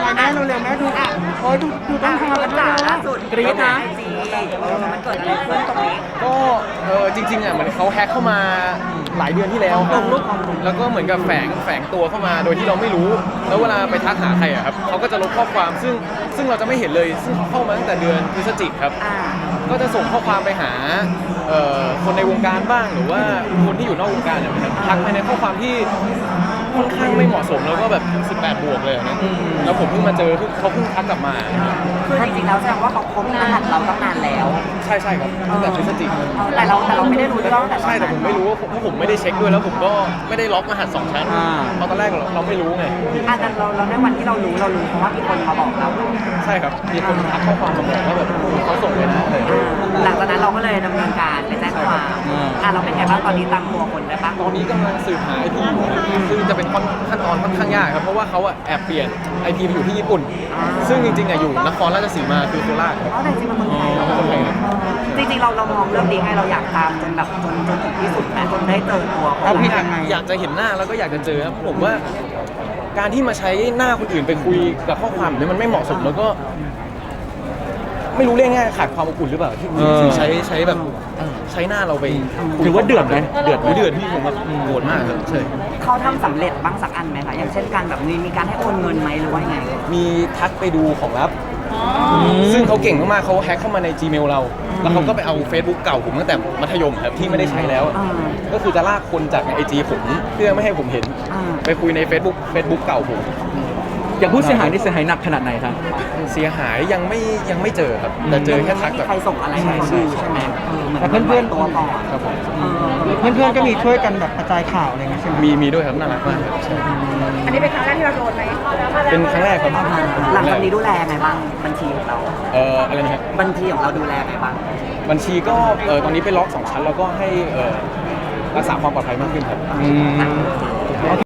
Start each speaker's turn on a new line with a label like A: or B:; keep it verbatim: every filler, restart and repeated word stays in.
A: ไงแม่เร็วๆแม่ดูโอ้ยดูดูต้องทำกันด้วย
B: ล่า
A: นะ
B: สุด
A: กรี๊ดนะ
B: ไอจีเออมันเกิดอะไรขึ้นตรงนี้
C: ก็เออจริงๆอ่ะเหมือนเขาแฮ็กเข้ามาหลายเดือนที่แล้วครับแล้วก็เหมือนกับแฝงแฝงตัวเข้ามาโดยที่เราไม่รู้ แล้วเวลาไปทักหาใครอ่ะครับเขาก็จะลบข้อความซึ่งซึ่งเราจะไม่เห็นเลยซึ่งเขาเข้ามาตั้งแต่เดือนพฤศจิกครับ
B: อ่า
C: ก็จะส่งข้อความไปหาเอ่อคนในวงการบ้างหรือว่าคนที่อยู่นอกวงการเนี่ยนะครับทักไปในข้อความที่ค่อนข้างไม่เหมาะสมแล้วก็แบบสิบแปดบวกเลยนะแล้วผมเพิ่งมาเจอเขาเพิ่งทักกลับมา
B: คือจริงๆแล้วแสดงว่าเขาคบรหัสเราตั้งนานแล้ว
C: ใช่ใช่ครับตั้งแต่พฤศจิกายน
B: แต่เราแต่เราไม่ได้รู้เรื่องตั้งแต่ตอน
C: ใช่แต่
B: นั้น
C: ผมไม่รู้ว่าผมเพราะผมไม่ได้เช็คด้วยแล้วผมก็ไม่ได้ล็อกรหัสสองชั้นเพราะตอนแรกเราเราไม่รู้ไง
B: อ่ะแต่เราเราในวันที่เรารู้เรารู้เพราะว่ามีคนมาบอกเรา
C: ใช่ครับมีคนทักข้อความมาบอกว่าแบบเขาส่งเลยนะอะไรอย่างเงี้ย
B: อ่าหลังจากนั้นเราก็เลยดำเนินการไปแจ้งความอ่ะเราเป็นไงบ้างตอนนี้ตามตัวคนได้ปะ
C: ตอนนี้กำลังสืบหาไอพีอยู่นะซึ่งจะเป็นขั้นตอนค่อนข้างยากครับเพราะว่าเขาอะแอบเปลี่ยนไอพีไปอยู่ที่ญี่ปุ่น ซึ่งจริงๆอะอยู่นครราชสีมาคือโคราชครับ
B: อ๋อแต่จริงๆมันเมืองไทยเหรอ
C: คนไทยครับ
B: จริงๆเราเรามองเรื่องนี้ให้เราอยากตามจนแบบจนจนถึงที่สุดแม้จนได้เจอตัว
A: เอาผิด
B: เขา
A: ยังไง
C: อยากจะเห็นหน้าแล้วก็อยากจะเจอครับผมว่าการที่มาใช้หน้าคนอื่นไปคุยกับข้อความแบบนี้มันไม่เหมาะสมแล้วก็ ไม่รู้เรื่องง่ายขาดความอบอุ่นหรือเปล่าที่ที่ใช้ใช้แบบใช้หน้าเราไปคุย
A: ถือว่าเดือดไหมเดือดไหม
C: เดือดพี่ผมแบบโหดมากครับใช่
B: เขาทำสำเร็จบ้างสักอันไหมคะอย่างเช่นการแบบมีมีการให้โอนเงินไหมหรือว่ายังไง
C: มีทักไปดูของลับซึ่งเขาเก่งมากๆเขาแฮ็กเข้ามาใน Gmail เรา แล้วเขาก็ไปเอา Facebook เก่าผมตั้งแต่มัธยมครับที่ไม่ได้ใช้แล้ว
B: อ่า
C: ก็คือจะลากคนจากในไอจีผมเพื่อไม่ให้ผมเห็น
B: อ่า
C: ไปคุยใน Facebook Facebook เก่าผม
A: อย่างผู้เสียหายนี่เสียหายหนักขนาดไหนครับ
C: เสียหายยังไม่ยังไม่เจอครับแต่เจอแค่ทัก
B: ไม่
C: แบ
B: มี
C: บ
B: ใครส่งอะไรให้เขาดูใช่ไหมเออหมื
A: แต่เพื่อนๆ
B: ตัวก่อน
C: ครับผม
B: เออ
A: เพื่อนๆก็มีช่วยกันแบบกระจายข่าวอะไรเงี้ยใช่ไหม
C: มีมีด้วยครับน่ารักมากครับใช่
D: อันนี้เป็นครั้งแรกที่เราโดนไหม
C: เป็นครั้งแรกครับ
B: หลังจากนี้ดูแลไงบ้างบัญชีของเรา
C: เอ่ออะไรนะครับ
B: บัญชีของเราดูแลไงบ้าง
C: บัญชีก็เออตอนนี้ไปล็อกสองชั้นแล้วก็ให้เออรักษาความปลอดภัยมากขึ้นครับ
A: อืม